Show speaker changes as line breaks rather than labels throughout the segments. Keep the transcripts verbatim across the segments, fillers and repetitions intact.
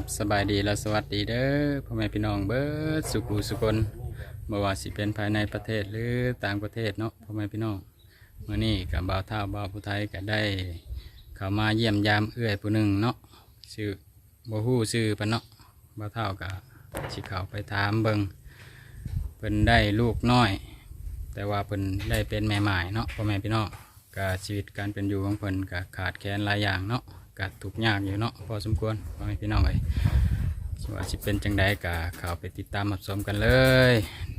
สบายดีและสวัสดีเด้อพ่อแม่พี่น้องเบิดสุขุสุคนบ่ว่าสิเป็นภายในประเทศหรือต่างประเทศเนาะพ่อแม่พี่น้องมื้อนี้กับบ่าวเฒ่าบ่าวผู้ไทยก็ได้เข้ามาเยี่ยมยามเอื้อยผู้หนึ่งเนาะชื่อบ่ฮู้ชื่อปานเนาะบ่าวเฒ่าก็สิเข้าไปถามเบิ่งเพิ่นได้ลูกน้อย แต่ว่าเพิ่นได้เป็นแม่หมายเนาะพ่อแม่พี่น้องก็ชีวิตการเป็นอยู่ของเพิ่นก็ขาดแคลนหลายอย่างเนาะก็ทุกข์ยากอยู่เนาะพอสมควรพ่อแม่พี่น้องเอ้ยว่าสิเป็นจังใดก็เข้าไปติดตามรับชมกันเลย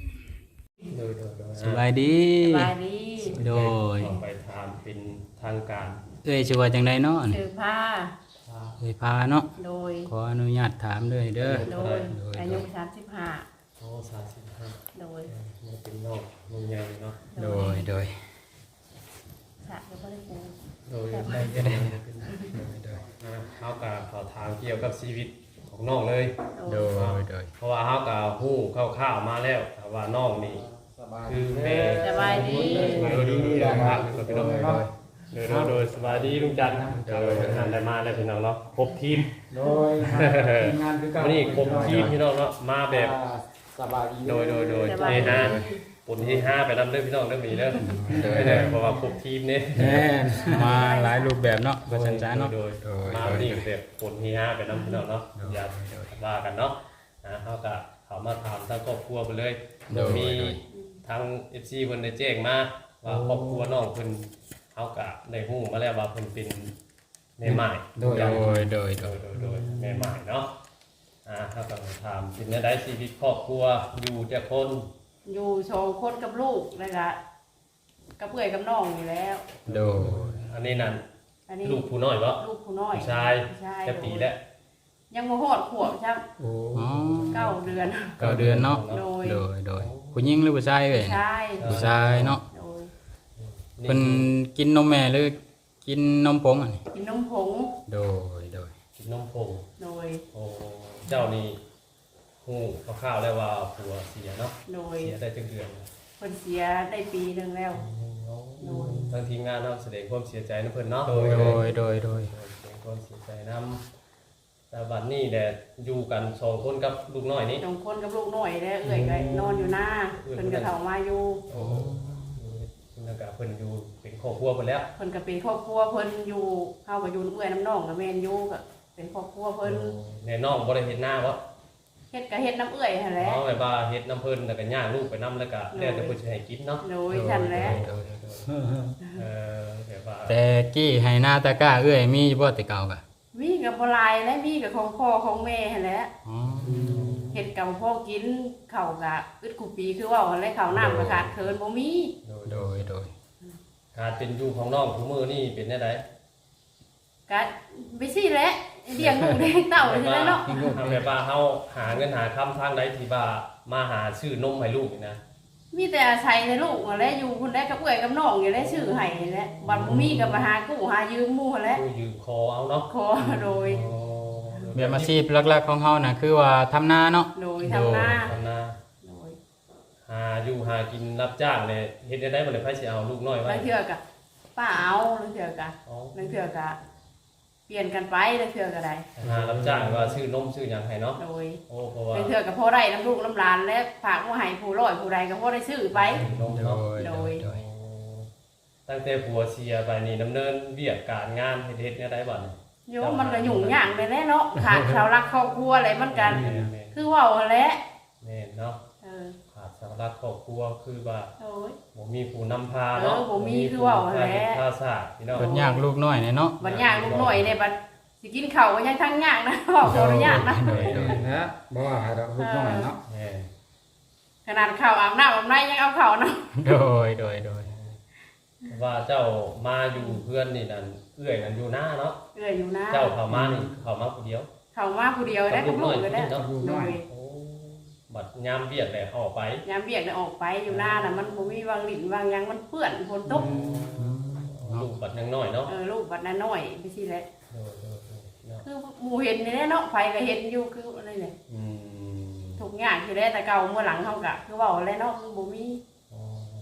สบายดี
สบายดี
โดย
ไปถามเป็นทางการ
เอ้ยชื่อว่าจังใดเนาะ
ถือผ้า
เอ้ยพาเนาะ
โดย
ขออนุญาตถามเลยเด้อ
โดยอายุสามสิบห้า
โอ้สามสิบห้า
โดย
มันเป็นนอกเมืองใหญ่เนาะ
โดยโดย
สระก็ไม่ได้ปู
โดยได้ได้ได้อ่าเขากับเขาถามเกี่ยวกับชีวิตของน้องเลย
โดยโดย
เพราะว่าเขากับหู้คร่าวๆมาแล้วแต่ว่าน้องนี่คือแม่
สบายดี
โดยโดยโดยครับเป็นน้องโดยโดยโดยโดยสบายดีลุงจันทร์โดยงานได้มาแล้วพี่น้องเนาะครบทีม
โดยทีมงานคือการ
วันนี้ครบทีมพี่น้องเนาะมาแบบ
สบายดี
โดยโดยโดยเฮฮาปุ่นที่ห้าไปนำเรื่องพี่น้องเรื่องมีเรื่อง
โดย
ไม่ได้เพราะว่าครบทีมนี่
แน่มาหลายรูปแบบเนาะก็สันจ้าเนาะ
โดย
โดย
มา
โดย
ดีแบบปุ่นที่ห้าไปนำพี่น้องเนาะอย่าว่ากันเนาะนะเขาก็เขามาถามทั้งครอบครัวไปเลยมีทั้งเอฟซีเพิ่นได้แจ้งมาว่าครอบครัวน้องเพิ่นเขาก็ได้ฮู้มาแล้วว่าเพิ่นเป็นแม่ใหม่
โดยโดยโดย
โดยโดยโดยแม่ใหม่เนาะอ่าเขาก็ถามเป็นได้ชีวิตครอบครัวอยู่แต่คน
อยู่โชว์คนกับลูกเลยละกับเพื่อนกับน้องอยู่แล้ว
โดย
อันนี้นั่น
อันนี้
ลูกผู้น้อยบ่
ลูกผู้น้อย
ผู้ชาย
ผู้ชาย
แค่ปีแล้ว
ยังโมโหดขวบช่าง
โอ้
อ๋อ
เก้าเดือน
เก้าเดือนเนาะ
โดย
โดยโดยผู้หญิงหรือผู้ชายเว้ย
ใช่
ผู้ชายเนาะ
โดย
เพิ่นกินนมแม่หรือกินนมผงอ่ะนี่
กินนมผง
โดยโดย
กินนมผง
โดย
โอ้เจ้านี่ฮู้คร่าวๆแล้วว่าผัวเสียเนาะ
โดย
เสียได้จังเดือน
เพิ่นเสียได้ปีหนึ่งแล้ว โดย
ทางทีมงานเนาะแสดงความเสียใจนำเพิ่นเนาะ
โดยโดยโดยโดย
แสดงความเสียใจนำแต่บัดนี้แหละอยู่กันสองคนกับลูกน้อยนี่
สองคนกับลูกน้อยแล้วเอื้อยก็นอนอยู่หน้าเพิ่นก็เข้ามาอยู่
โอ้นั่นก็เพิ่นอยู่เป็นครอบครัวเพิ่นแล้ว
เพิ่นก็เป็นครอบครัวเพิ่นอยู่เฮาก็อยู่เอื้อยน้ำน้องกับแม่นอยู่ก็เป็นครอบครัวเพิ่น
แน่น้องบ่ได้เห็นหน้าบ่
เฮ็ดก็เฮ็ดน้ำเอื้อยหั่นแหละ
เอาแบบว่าเฮ็ดน้ำเพิ่นแล้วก็ย่างลูกไปนํแล้วก็แล้วแต่เพิ่นสิให้กินเนาะ
โดยฉันแหละ
โดยโดยโดย
เออแบบว่า
แต่กี้ให้หน้าตะกร้าเอ้ยมีอยู่บ่แต่เก่ากะ
มีกับบ่หลายและมีกับของพ่อของแม่หั่นแหละ
อ๋อ
เฮ็ดกับพ่อกินข้าวก็อึดกูปีคือเว่าหั่นแหละข้าวน้ำก็ขาดเคินบ่มี
โดยโดย
การเป็นอยู่ของน้องทุกมื้อนี่เป็นได้ได
ก็ไปสิแหละเลี้ยงลูกเลี้ยงเต้าจังได๋เนาะ
ทำแบบว่าเฮาหาเงินหาคำทางใดที่ว่ามาหาซื้อนมให้ลูกนี่นะ
มีแต่อาศัยแต่ลูกหั่นแหละอยู่คนใดกับเอื้อยกับน้องอยู่แล้วชื่อให้นั่นแหละบัดบ่มีก็มาหากู้หายืมหมู่หั่นแหละ
กู้ยืมคอเอาเนาะ
ขอโดย
อ๋อ
เบียอาชีพหลักๆของเฮาน่ะคือว่าทำนาเนาะ
โดยทำหน้า
ทำนา
โดย
หาอยู่หากินรับจ้างเลยเฮ็ดได้ได้บ่ได้ไผสิเอาลูกน้อยไว้
บางเทื่อก็ป้าเอาบางเทื่อก็
อ๋อบ
างเทื่อก็เปลี่ยนกันไปบางเทื่อก็ได้
หารับจ้างว่าซื้อนมซื้อหยังให้เนาะ
โดย
โอ้เพราะว่า
บางเทื่อก็พอได้น้ำลูกน้ำหลานและฝากมาให้ผู้ร้อยผู้ใดก็พอได้ซื้อไป
นม
โด
เนาะ
ยโดยโดย
ตั้งแต่ผัวเสียไปนี่ดำเนินเวียกการงานเฮ็ดเฮ็ดเนี่ยได้บ่เนี่ย
โยมมันก็ยุ่งยากเลยแหละเนาะขาดเสาหลักครอบครัวอะไรมันกัน
แม่นแม่น
คือเว่าหั่นแหละ
แม่นเนาะ
เออ
ขาดเสาหลักครอบครัวคือว่า
โอ้ย
บ่มีผู้นำพาเนาะ
เออบ่มีคือเว้าหั่นแหละ
ภาษาพี่น้อง
เพิ่นยากลูกน้อยเนี่ยเนาะ
บัดยากลูกน้อยเนี่ยบัดสิกินข้าวก็ยังทั้งยากนะบอกขออนุญาตนะ
โดยโดย
นะบ่ว่าให้เราลูกน้อยเนาะ
แม่น
ขนาดข้าวอาบน้ำอาบในยังเอาข้าวเนาะ
โดยโดยโดย
ว่าเจ้ามาอยู่เพื่อนนี่นั่นเอื้อยนั่นอยู่หน้าเนาะ
เอื้อยอยู่นะ
เจ้าเข้ามานี่เข้ามาผู้เดียว
เข้ามาผู้เดียวได้กับลูกก็ได้
กับลูกน้อย
โดย
โอ้บัดยามเวียดแหละออกไป
ยามเบียกเนี่ยออกไปอยู่หน้าน่ะมันบ่มีวางหลินวางหยังมันเปื้อนฝนตก
ลูกบัดยังน้อยเนาะ
เออลูกบัดนั้นน้อยไปสิแหละ
เออเออเออเนาะ
คือหมู่เห็นนี่แหละเนาะไผก็เห็นอยู่คืออะไรเนี่ย
อืม
ทุกอย่างที่ได้แต่เก่าเมื่อหลังเฮาก็คือเว้าแล้วเนาะคือบ่มี
อ๋อ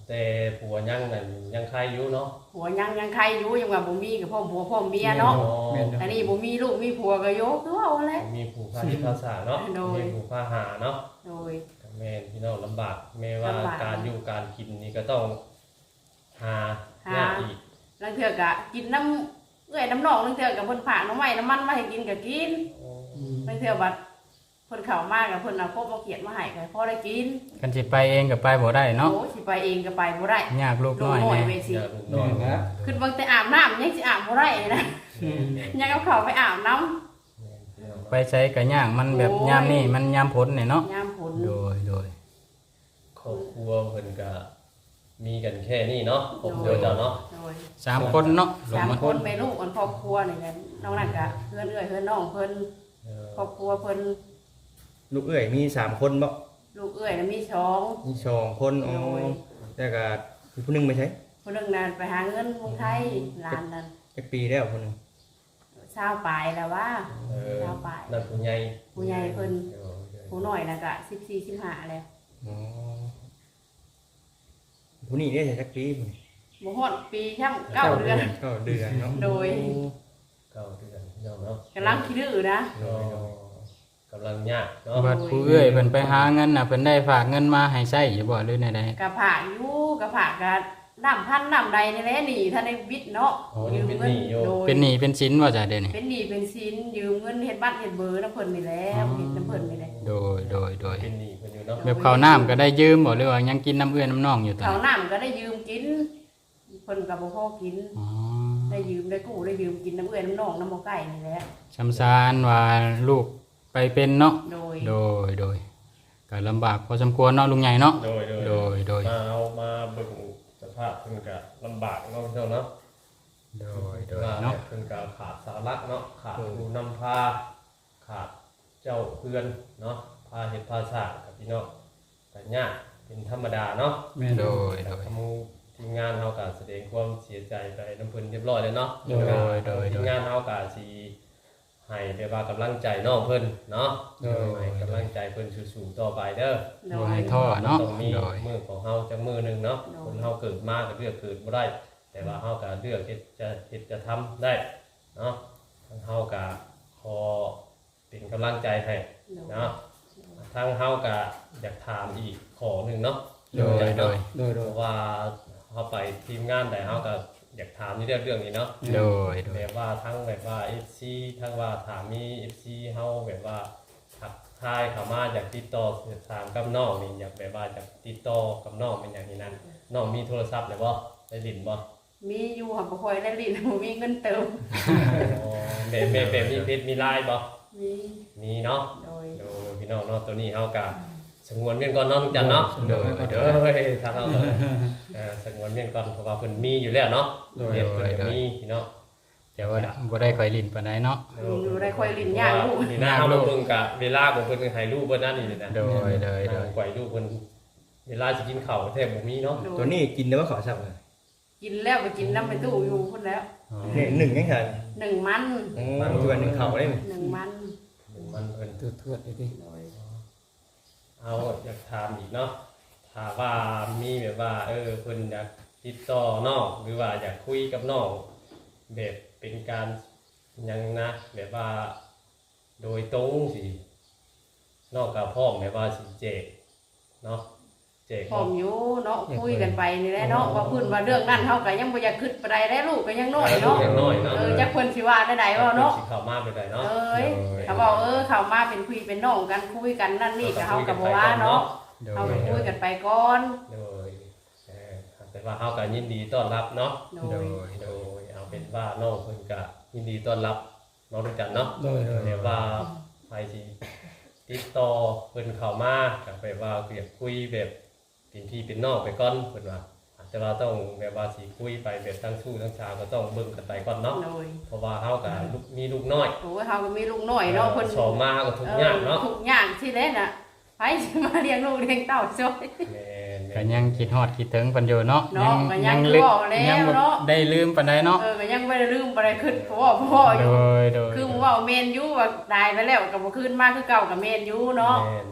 แต่ผัวยังนั่นยังใครอยู่เนาะ
ผัวยังยังใครอยู่ยังว่าบ่มีกับพ่อผัวพ่อเมียเนาะ
แม่น
อันนี้บ่มีลูกมีผัวก็โยกคือว่าแหละ
มีผู้พาที่ภาษาเนาะ
โดย
มีผู้พาหาเนาะ
โดย
แม่นพี่น้องลำบากแม้ว่า
ลำบาก
การอยู่การกินนี่ก็ต้องหา
หา
ยากอีก
ลังเทื่อก็กินน้ำเอื้อยน้ำหนองลังเทื่อก็เพิ่นฝากน้ำไม้น้ำมันมาให้กินก็กินลังเทื่อบัดเพิ่นเข้ามาก็เพิ่นเอาครบมาเขียนมาให้ก็พอได้กิน
กันสิไปเองก็ไปบ่ได้เนาะ
โอ้สิไปเองก็ไปบ่ได้
ยากลูก
ลู
น้
ก
อย
น้อย
แน่
เวสิ
อยากลูกน้อย
แม่นนะ
ขึ้นบางแต่อาบน้ำยังสิอาบบ่ได้เลยนะยังเอาเข้าไปอาบน้ำ
ไปใช้ก็ยากมันแบบยามนี้มันยามฝนนี่เนาะ
ยามฝน
โดยโดย
ครอบครัวเพิ่นก็มีกันแค่นี้เนาะครอบครัวเจ้าเนาะ
โดย
สามคนเนาะลง
สาม
มา
คนแม่ลูกกันครอบครัวนี่แหละน้องนั่นก็เพื่อนเอื้อยเพื่อนน้องเพิ่น
เออ
ครอบครัวเพิ่น
ลูกเอ้ยมีสามคนบ่
ลูกเอื้อยน่ะมีสอง
มีสองคนอ๋อ
โอ้ย
แล้วก็มีผู้หนึงไม่ใช่
คนหนึงนั่นไปหาเงินเมืองไทยหลานนั่น
จักปีแล้วคนหนึง
ชาวปลายแล้วว่า
เออ
ชาวปลาย
นั่นผู้ใหญ่
ผู้ใหญ่เพิ่น
เออ
ผู้น้อยน่ะก็สิบสี่ สิบห้าแล้ว
อ๋อผู้นี้เนี่ยจักปีพุ่น
บ่ฮอดปีช่ำเก้าเดือน
เก้าเดือนเนาะ
โดย
เก้าเดือนพี่น้องเนาะ
กำลังคิดดื้อนะ
ก็กำลังยากเนาะ
บัดผู้เอ้ยเพิ่นไปหาเงินน่ะเพิ่นได้ฝากเงินมาให้ใช้อยู่บ่หรือแนวใด
กะผากอยู่กะผากกะน้ำพันน้ำใดนี่แหละหนี่ท่านได้วิทย์เนาะยืมเงินโดย
เป็นหนี้เป็นสินบ่จ้ะเดี๋ยวนี้
เป็นหนี้เป็นสินยืมเงินเฮ็ดบัตรเฮ็ดเบอร์น้ำเพิ่นนี่แหล้วเฮ็ดน้ำเพิ่นนี่แหละ
โดยโดยโดย
เป็นหนี้เพิ่นอยู่เนาะ
แบบข้าวน้ำก็ได้ยืมบ่หรือว่ายังกินน้ำเอื้อน้ำน้องอยู่ตอน
ข้าว
นี้
น้ำก็ได้ยืมกินเพิ่นก็บ่พอกิน
อ๋อ
ได้ยืมได้กู้ได้ยืมกินน้ำเอื้อยน้ำน้องน้ำบ่ไก่นี่แหละ
ชำซานว่าลูกไปเป็นเนาะ
โดย
โดยโดยก็ลำบากพอสมควรเนาะลุงใหญ่เนาะ
โดยโดย
โดยโดย
มาเอามาเบิ่งสภาพเพิ่นก็ลำบากเนาะพี่น้องเนาะ
โดยโดย
ว่า
เนาะ
เพิ่นก็ขาดสาระเนาะขาดผู้นำพาขาดเจ้าเพื่อนเนาะพาเฮ็ดพาสร้างกับพี่น้องก็ยากเป็นธรรมดาเนาะ
แม่น
โดยโดย
ทำทีมงานเฮาก็แสดงความเสียใจไปน้ำเพิ่นเรียบร้อยแล้วเนาะ
โดยโดย
ทีมงานเฮาก็สิให้ได้ว่ากำลังใจน้องเพิ่นเนาะ
โดย
ให้กำลังใจเพิ่นสู้ๆต่อไปเด้อ
โด
บ่
ย
ให้ท้อเนาะ
ต้องมี
โดย
มือของเฮาจักมือหนึงเนาะ
โดย
คนเฮาเกิดมาก็เลือกเกิดบ่ได้ แต่ว่าเฮาก็เลือกเฮ็ดจะเฮ็ดจะทำได้เนาะทางเฮาก็ขอเป็นกำลังใจให้
โดย
เนาะทางเฮาก็อยากถามอีกขอหนึงเนาะ
โดยโดย
โดย
เพ
โดย
ราะว่าเฮาไปทีมงานใดเฮาก็อยากถามในเรื่องเรื่องนี้เนาะ
โดยโดย
แบบว่าทั้งแบบว่า เอฟ ซี ทั้งว่าถามมี เอฟ ซี เฮาแบบว่าทักทายเข้ามาอยากติดต่อสื่อสารกับน้องนี่อยากแบบว่าอยากติดต่อกับน้องเป็นอย่างนี้นั้นน้องมีโทรศัพท์เลยบ่ได้ลิ้นบ่
มีอยู่หับบ่ค่อยได้ลิ้นบ่มีเงินเติม
อ๋อแบบแบบแบบมีเพจมีไลน์บ่
มี
มีเนาะ
โดย
โดพี่น้องเนาะตัวนี้เฮาก็สงวนเมียนก่อนเนาะทุกจันเนาะ
โดยโด
เด้
ย
อเฮ้ยทางเฮาก็เอ่อสงวนเมียนก่อนเพราะว่าเพิ่นมีอยู่แล้วเนาะ
โดย
เฮ็ดเพิ่น
โด
ก็
ย
มีพี่น้อง
แต่ว่าบ่ได้ค่อยลิ้นปานใดเนาะ
อยู่ได้ค่อยลิ้นยากลูก
นี่นะเฮาเบิ่งกะเวลาของเพิ่นให้รูปเพิ่นนั่นนี่นะ
โดยโดยโดย
ปล่อยลูกเพิ่นเวลาสิกินข้าวแทบบ่มีเนาะ
โดย
ตัวนี้กินได้ว่าขอสับเลย
กินแล้วไปกินน้ำไปตู้อยู่พุ่นแล้ว
อ๋อ
เนี่ยหนึ่งยังไง
หนึ่งมัน
มันคือว่าหนึ่งเข่าได้ไหม
หนึ่งมัน
มันเพิ่น
ตัวทวดไอ้ที่
โดย
เอาอยากถามอีกเนาะถ้าว่ามีแบบว่า เออเพิ่นอยากติดต่อน้องหรือว่าอยากคุยกับน้องแบบเป็นการหยังนะแบบว่า โดยตรงสินอกกับพ่อมแบบว่าสิเจกเนาะเจก
พร้อมอยู่เนาะคุยกันไปนี่แหละเนาะว่าเพิ่นว่าเรื่องนั้นเฮาก็ยังบ่อยากคิดปานใดได้ลูกก็ยังน้อยเนาะ
อย่างน้อยเนาะ
เออจักเพิ่นสิว่าได้ใดว่าเนาะ
สิเข้ามาไปได้เนาะ
เอ้ยเขาบอกเออเข้ามาเป็นคุยเป็นน้องกันคุยกันนั่นนี่ก็เฮาก็บ่ว่าเนาะ
โด
เฮาย ก็คุยกันไปก่อน
โดยเอ่อแต่ว่าเฮาก็ยินดีต้อนรับเนาะ
โด
โด
ย
ย
โดยเอาเป็นว่าน้องเพิ่นก็ยินดีต้อนรับน้องทุกจันเนาะ
โดยโดย
แต่ว่าไปสิติดต่อเพิ่นเข้ามาก็แบบว่าเรียกคุยแบบเป็นพี่เป็นน้องไปก่อนเพิ่นว่าแต่ว่าต้องแบบว่าสิคุยไปแบบทั้งชู้ทั้งชาวก็ต้องเบิ่งกันไปก่อนเนาะ
โดย
เพราะว่าเฮาก็ลูกมีลูกน้อย
โอ้ยเฮาก็มีลูกน้อยเนาะเพิ่น
สอบมาก็ทุกข์ยากเนาะ
ทุกอย่างที่เล่นน่ะไผสิมาเลี้ยงลูกเลี้ยงเต้าช่วย
แม่น
ก็
ๆ
ยังคิดฮอดคิดถึงเพิ่นอยู่เนาะ
เนาะก็ยัง
ลึก
บอกแล้ว
ยังบ่
เนาะ
ได้ลืมปานใดเนาะ
เออก็ยังบ่ได้ลืมบ่ได้คิดเพราะว่าพ่ออ
โด
ยู่
ยโดย
คือมึงว่าเมนอยู่ว่าตายไปแล้วก็บ่คืนมาคือเก่าก็เมนอยู่เนาะ
แม่นแม่นแม่น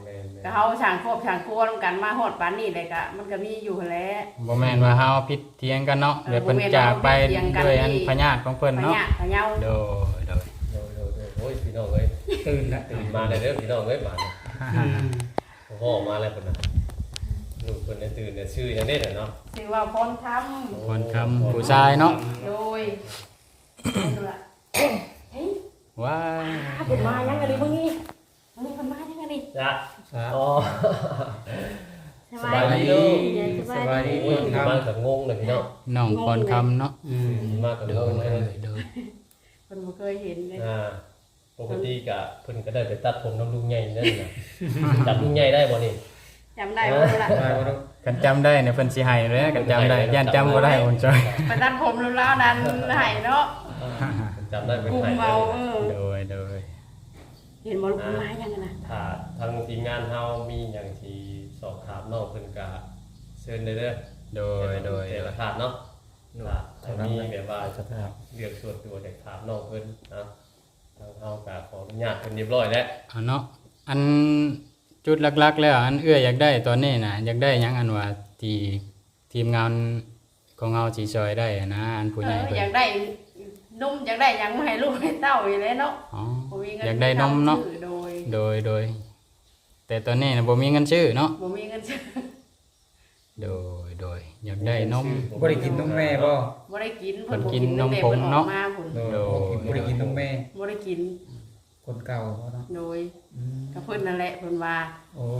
ก็เฮาช่างครอบช่างครัวนํกันมาฮอดปานนี้เลยก็มันก็มีอยู่หั้นแหละ
บ่แม่นว่าเฮาผิดเถียงกันเนาะ
เออ
เดี๋ยวเพิ่น
บ่แม่น
จากไป
ว่าเฮาผิดเถียงกัน
ด้วยอัน
นี่
พญาติของเพิ่น
พะ
เนาะ
ยะพะเยา
โดยโดย
โดยโดยโดยโอ้ยพี่น้องเอ้ย
ตื่นละ
ตื่นมาได้เด้อพี่น้องเอ้ยบาดนี้โอ้โหมาแล้วเพิ่นน่ะลูกเพิ่นได้ตื่นเนี่ยชื่อจังได๋เนาะ
ชื่อว่าพรคำ
คนคำผู้ชายเนาะ
โดยดูละเฮ้ย
ว้าย
ถ้าเพิ่นมายังไงดิมึงนี่มึงนี่เพิ่นมายังไงดิ
จ้ะอ๋อ
สบายดี
สบายดี
โอ้ยตื่นมาก็งงเลยพี่น้อง
น้องคนคำเนาะ
อืม
ตื่นมาก็
โด
ง
ย
งเลย
โดย
เพิ่นบ่เคยเห็นเลย
อ่าปกติก็เพิ่นก็ได้ไปตัดผมน้ำลุงใหญ่นั่นน่ะจำลุงใหญ่ได้บ่นี่
จำได้บ่รู้ล่ะ
ไปบ่ต้อง
กันจำได้เนี่ยเพิ่นสิให้เลยนะกันจำได้ย่านจำบ่ได้คนจอย
ไปตัดผมรู้แล้วนั้นให้เนาะ
จำได้เป็น
กลุ่ม
ไห้
เมา
เลย
เออ
โดยโดย
เห็นบ่ลูกเพิ่นมายังไงนะ
ถ้าทางทีมงานเฮามีหยังที่สอบถามน้องเพิ่นก็เชิญได้เด้อ
โดยโดย
แต่ละถาดเนาะถ้ามีแบบว่า
สภาพ
เรื่องส่วนตัวอยากถามน้องเพิ่นนะทางเฮาก็ขออนุญาตเพิ่นเรียบร้อยแล้ว
เอาเนาะอันจุดหลักๆแล้วอันเอื้ออยากได้ตอนนี้น่ะอยากได้หยังอันว่าที่ทีมงานของเฮาสิช่วยได้อะนะอันผู้
เอ
ใหญ่
อ
เพิ่
อน ยากได้นมอยากได้หยังมาให้ลูกให้เต้าอยู่แล้วเนาะ
อ๋อ
บ่มีเงิน
อยากได้นมเนาะ
ซื้อโดย
โดยโดย แต่ตอนนี้น่ะบ่มีเงินซื้อเนาะ
บ่มีเงินซื้อ
โดยโดยอยากได้นม
บ่ได้กินนมแม่บ่
บ่ได้กิน
เพิ่น
บ่
กินนม
ตั้งแต่
ผง
พิ่ออก
เนาะ
มาพุ่น
โดยบ่ได้กินนมแม่
บ่ได้กิน
คนเก่าบ่เนาะ
โดย
อืม
กับเพิ่นนั่นแหละเพิ่นว่า
โอ้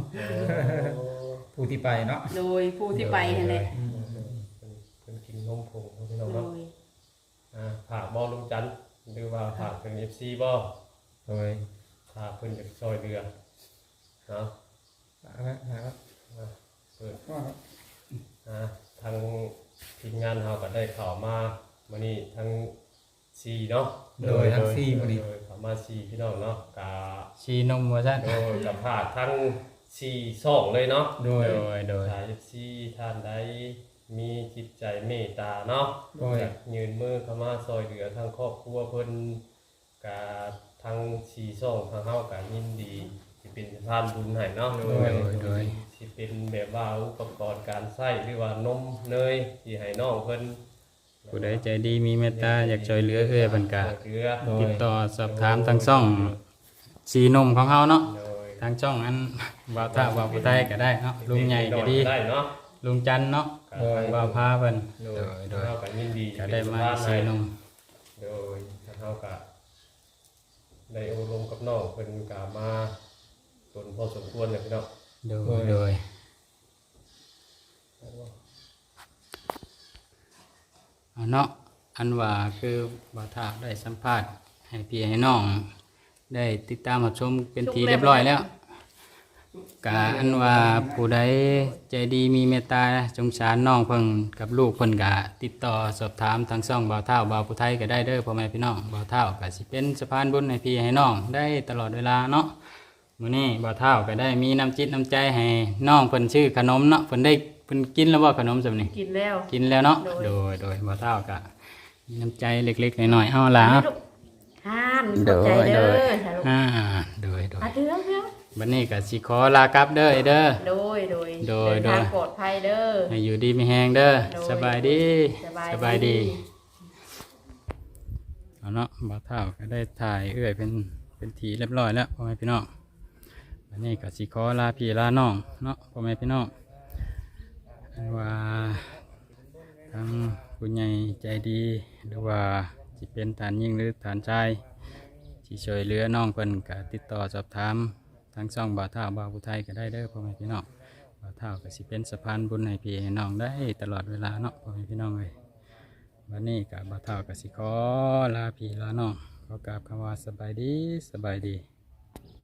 ผู้ที่ไปเนาะ
โดยผู้ที่ไปนั่นแหละ
อืม
เพิ่นกินนมผงพี่น้อง
โด
เนาะ
ย
อ่าฝากบ่ลุงจันทร์หรือว่าฝากเป็น เอฟ ซี บ่
โดย
ฝากเพิ่นจะช่วยเรือเนาะ
ลาละลาละ
เปิด
ก็
อ่าทางทีมงานเราก็ได้ข่าวมามื้อนี้ทั้งสี่เนาะ
โดยทั้งสี่มื้อนี้
โดยข่าวมาสี่พี่น้องเนาะกา
ชีนมว่าซั่น
โดยกับพาดทั้งสี่สองเลยเนาะ
โดย
โดยโดย
สายสี่ท่านใดมีจิตใจเมตตาเนาะ
โดย
อยากยืนมือเข้ามาซอยเหลือทางครอบครัวเพิ่นกาทั้งสี่สองทางเฮาก็ยินดีสิเป็นสะพานบุญให้เนาะ
โดยโดย
สิเป็นแบบว่าอุปกรณ์การใช้หรือว่านมเนยที่ให้น้องเพิ่น
ผู้ใดใจดีมีเมตตาอยากช่วยเหลือเอื้อเพิ่นก็
เรือ
โดย
ติดต่อสอบถามทางช่องสีนมของเฮาเนาะ
โดย
ทางช่องอันบ่าวท่าบ่าวผู้ใต้ก็ได้เนาะลุงใหญ่ก็ดี
ได้เนาะ
ลุงจันทร์เนาะ
โดย
บ่าวพาเพิ่น
โด
โด
ย
ย
โด
โด
ย
ย
เฮาก็ยินดี
ก็ได้มาสีนม
โดยเฮาก็ได้อบรมกับน้องเพิ่นก็มาตนพอสมควรเลยพี่น้อง
โดยโดยเอาเนาะอันว่าคือบ่าวท่าได้สัมภาษณ์ให้พี่ให้น้อง ได้ติดตามรับชมเป็นทีเรียบร้อยแล้วกะอันว่าผู้ใดใจดีมีเมตตาสงสารน้องเพิ่นกับลูกเพิ่นกะติดต่อสอบถามทางช่องบ่าวเฒ่าบ่าวผู้ไทยก็ได้เด้อพ่อแม่พี่น้องบ่าวเฒ่าก็สิเป็นสะพานบุญให้พี่ให้น้องได้ตลอดเวลาเนาะมื้อนี้บ่าวเฒ่าก็ได้มีน้ำจิตน้ำใจให้น้องเพิ่นชื่อขนมเนาะเพิ่นได้เพิ่นกินแล้วบ่ขนมซำนี้
กินแล้ว
กินแล้วเนาะ
โดย
โดยโดยบ่าวเฒ่าก็มีน้ำใจเล็กๆน้อยๆเอาล่ะ
ห้ามขอบใจเด้อสาธุ
อ่าโดยโดย
อาเด้อเด้อ
บัดนี้ก็สิขอลากลับเด้อไอ้เด้อ
โดยโดย
โดย
เดินทาง
โดย
ปลอดภัยเด้อ
ให้อยู่ดีมีแฮงเด้อ
โดย
สบายดี
สบายดี
เอาเนาะบ่าวเฒ่าก็ได้ถ่ายเอื้อยเป็นเป็นทีเรียบร้อยแล้วพ่อแม่พี่น้องวันนี้ก็สิขอลาพี่ลาน้องเนาะพ่อแม่พี่น้องอันว่าทางผู้ใหญ่ใจดีหรือว่าสิเป็นฐานยิงหรือฐานชายที่ช่วยเหลือน้องเพิ่นก็ติดต่อสอบถามทางช่องบ่าวเฒ่าบ่าวผู้ไทยก็ได้เด้อพ่อแม่พี่น้องบ่าวเฒ่าก็สิเป็นสะพานบุญให้พี่ให้น้องได้ตลอดเวลาเนาะพ่อแม่พี่น้องเลย วันนี้กับบ่าวเฒ่ากับสิขอลาพี่ลาน้องขอกราบคำว่าสบายดีสบายดี